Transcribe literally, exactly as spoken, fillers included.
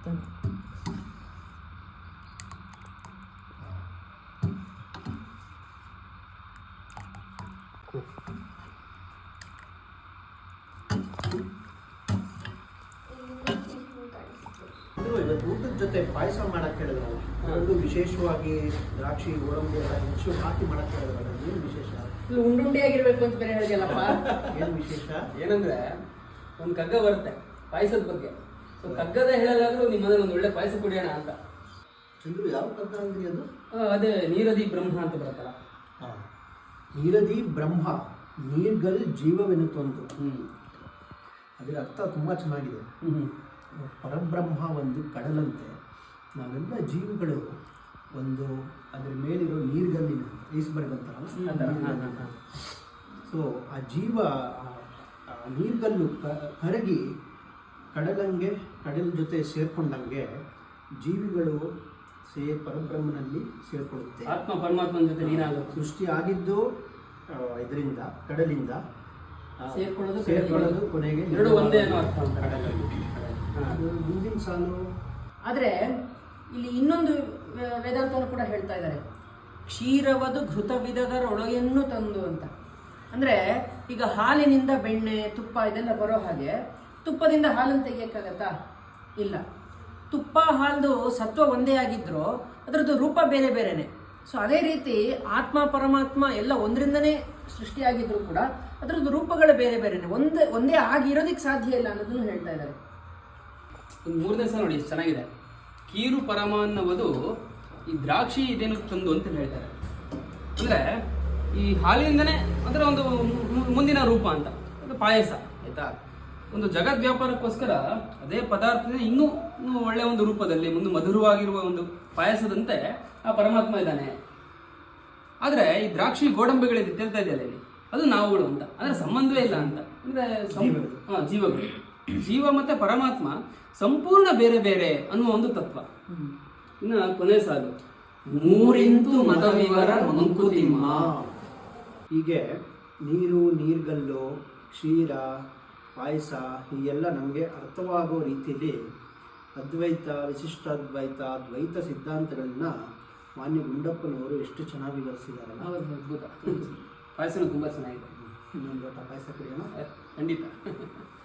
ಇವತ್ತು ಊಟದ ಜೊತೆ ಪಾಯಸ ಮಾಡಕ್ ಹೇಳಿದ್ರಲ್ಲ, ಅದೊಂದು ವಿಶೇಷವಾಗಿ ದ್ರಾಕ್ಷಿ ಗೋಡಂಬಿ ಎಲ್ಲ ಹೆಚ್ಚು ಹಾಕಿ ಮಾಡಕ್ ಹೇಳಿದ್ರಲ್ಲ, ಏನು ವಿಶೇಷ? ಉಂಡುಂಡೆ ಆಗಿರ್ಬೇಕು ಅಂತ ಬೇರೆ ಹೇಳಿದಲ್ಲಪ್ಪ. ಏನು ವಿಶೇಷ? ಏನಂದ್ರೆ ಒಂದು ಕಗ್ಗ ಬರುತ್ತೆ ಪಾಯಸದ ಬಗ್ಗೆ. ಸೊ ಕಗ್ಗದ ಹೇಳಲಾದ್ರೂ ನಿಮ್ಮ ಮನೇಲಿ ಒಂದು ಒಳ್ಳೆ ಪಾಯಸ ಕುಡಿಯೋಣ ಅಂತ. ಚಂದ್ರು, ಯಾವ ಕಗ್ಗ ಅಂದ್ರಿ ಅದು? ಅದೇ ನೀರದಿ ಬ್ರಹ್ಮ ಅಂತ ಬರುತ್ತಲ್ಲ. ಹಾಂ, ನೀರದಿ ಬ್ರಹ್ಮ ನೀರ್ಗಲ್ ಜೀವವೆನುತ್ತೊಂದು. ಹ್ಮ್ ಅದರ ಅರ್ಥ ತುಂಬ ಚೆನ್ನಾಗಿದೆ. ಹ್ಮ್ ಪರಬ್ರಹ್ಮ ಒಂದು ಕಡಲಂತೆ, ನಾವೆಲ್ಲ ಜೀವಿಗಳು ಒಂದು ಅದರ ಮೇಲಿರೋ ನೀರ್ಗಲ್ಲಿನ ಐಸ್ಬರ್ಗ್ ಅಂತಾರಲ್ಲ. ಸೊ ಆ ಜೀವ ಆ ನೀರ್ಗಲ್ಲು ಕರಗಿ ಕಡಲಂಗೆ ಕಡಲ ಜೊತೆ ಸೇರ್ಕೊಂಡಂಗೆ ಜೀವಿಗಳು ಸೇ ಪರಬ್ರಹ್ಮನಲ್ಲಿ ಸೇರ್ಕೊಳ್ಳುತ್ತೆ. ಆತ್ಮ ಪರಮಾತ್ಮನ ಜೊತೆ ನೀರಾಗುತ್ತೆ. ಸೃಷ್ಟಿ ಆಗಿದ್ದು ಇದರಿಂದ ಕಡಲಿಂದ ಸೇರ್ಕೊಳ್ಳೋದು ಸೇರ್ಕೊಳ್ಳೋದು ಕೊನೆಗೆ ಎರಡು ಒಂದೇ ಅನ್ನೋ ಅರ್ಥ ಅಂತ ಕಡಲಲ್ಲಿ. ಮುಂದಿನ ಸಾಲು. ಆದರೆ ಇಲ್ಲಿ ಇನ್ನೊಂದು ವೇದಾಂತವನ್ನು ಕೂಡ ಹೇಳ್ತಾ ಇದ್ದಾರೆ, ಕ್ಷೀರವದು ಘೃತ ವಿಧದರೊಳಗೆನ್ನು ತಂದು ಅಂತ. ಅಂದರೆ ಈಗ ಹಾಲಿನಿಂದ ಬೆಣ್ಣೆ ತುಪ್ಪ ಇದೆಲ್ಲ ಬರೋ ಹಾಗೆ ತುಪ್ಪದಿಂದ ಹಾಲನ್ನು ತೆಗಿಯೋಕ್ಕಾಗತ್ತಾ? ಇಲ್ಲ. ತುಪ್ಪ ಹಾಲ್ದು ಸತ್ವ ಒಂದೇ ಆಗಿದ್ರೂ ಅದರದ್ದು ರೂಪ ಬೇರೆ ಬೇರೆನೆ. ಸೊ ಅದೇ ರೀತಿ ಆತ್ಮ ಪರಮಾತ್ಮ ಎಲ್ಲ ಒಂದರಿಂದನೇ ಸೃಷ್ಟಿಯಾಗಿದ್ರು ಕೂಡ ಅದರದ್ದು ರೂಪಗಳು ಬೇರೆ ಬೇರೆನೆ, ಒಂದೇ ಒಂದೇ ಆಗಿರೋದಕ್ಕೆ ಸಾಧ್ಯ ಇಲ್ಲ ಅನ್ನೋದನ್ನು ಹೇಳ್ತಾ ಇದ್ದಾರೆ. ಒಂದು ಮೂರನೇ ಸಲ ನೋಡಿ ಎಷ್ಟು ಚೆನ್ನಾಗಿದೆ. ಕೀರು ಪರಮ ಅನ್ನೋದು ಈ ದ್ರಾಕ್ಷಿ ಇದೇನು ತಂದು ಅಂತ ಹೇಳ್ತಾರೆ. ಅಂದರೆ ಈ ಹಾಲಿನಿಂದನೇ ಅದರ ಒಂದು ಮುಂದಿನ ರೂಪ ಅಂತ, ಅದು ಪಾಯಸ ಆಯ್ತಾ. ಒಂದು ಜಗದ್ ವ್ಯಾಪಾರಕ್ಕೋಸ್ಕರ ಅದೇ ಪದಾರ್ಥದ ಇನ್ನೂ ಇನ್ನೂ ಒಳ್ಳೆಯ ಒಂದು ರೂಪದಲ್ಲಿ ಒಂದು ಮಧುರವಾಗಿರುವ ಒಂದು ಪಾಯಸದಂತೆ ಆ ಪರಮಾತ್ಮ ಇದ್ದಾನೆ. ಆದರೆ ಈ ದ್ರಾಕ್ಷಿ ಗೋಡಂಬಿಗಳಿದೆ ತಿಳ್ತಾ ಇದೆಯಲ್ಲ ಇಲ್ಲಿ, ಅದು ನಾವುಗಳು ಅಂತ, ಅಂದರೆ ಸಂಬಂಧವೇ ಇಲ್ಲ ಅಂತ. ಅಂದರೆ ಹಾಂ, ಜೀವಗಳು, ಜೀವ ಮತ್ತು ಪರಮಾತ್ಮ ಸಂಪೂರ್ಣ ಬೇರೆ ಬೇರೆ ಅನ್ನುವ ಒಂದು ತತ್ವ. ಇನ್ನು ಕೊನೆ ಸಾಲು, ಮೂರಿಂತು ಮತವಿವರ ಮಂಕುತಿಮ್ಮ. ಹೀಗೆ ನೀರು, ನೀರ್ಗಲ್ಲು, ಕ್ಷೀರ, ಪಾಯಸ ಹೀಗೆಲ್ಲ ನಮಗೆ ಅರ್ಥವಾಗೋ ರೀತಿಯಲ್ಲಿ ಅದ್ವೈತ, ವಿಶಿಷ್ಟಾದ್ವೈತ, ದ್ವೈತ ಸಿದ್ಧಾಂತಗಳನ್ನ ಮಾನ್ಯ ಗುಂಡಪ್ಪನವರು ಎಷ್ಟು ಚೆನ್ನಾಗಿ ವಿವರಿಸಿದಾರಲ್ಲ. ಅದ್ಭುತ. ಪಾಯಸನೂ ತುಂಬ ಚೆನ್ನಾಗಿದೆ. ಇನ್ನೊಂದು ಲೋಟ ಪಾಯಸ ಕುಡಿಯೋಣ? ಖಂಡಿತ.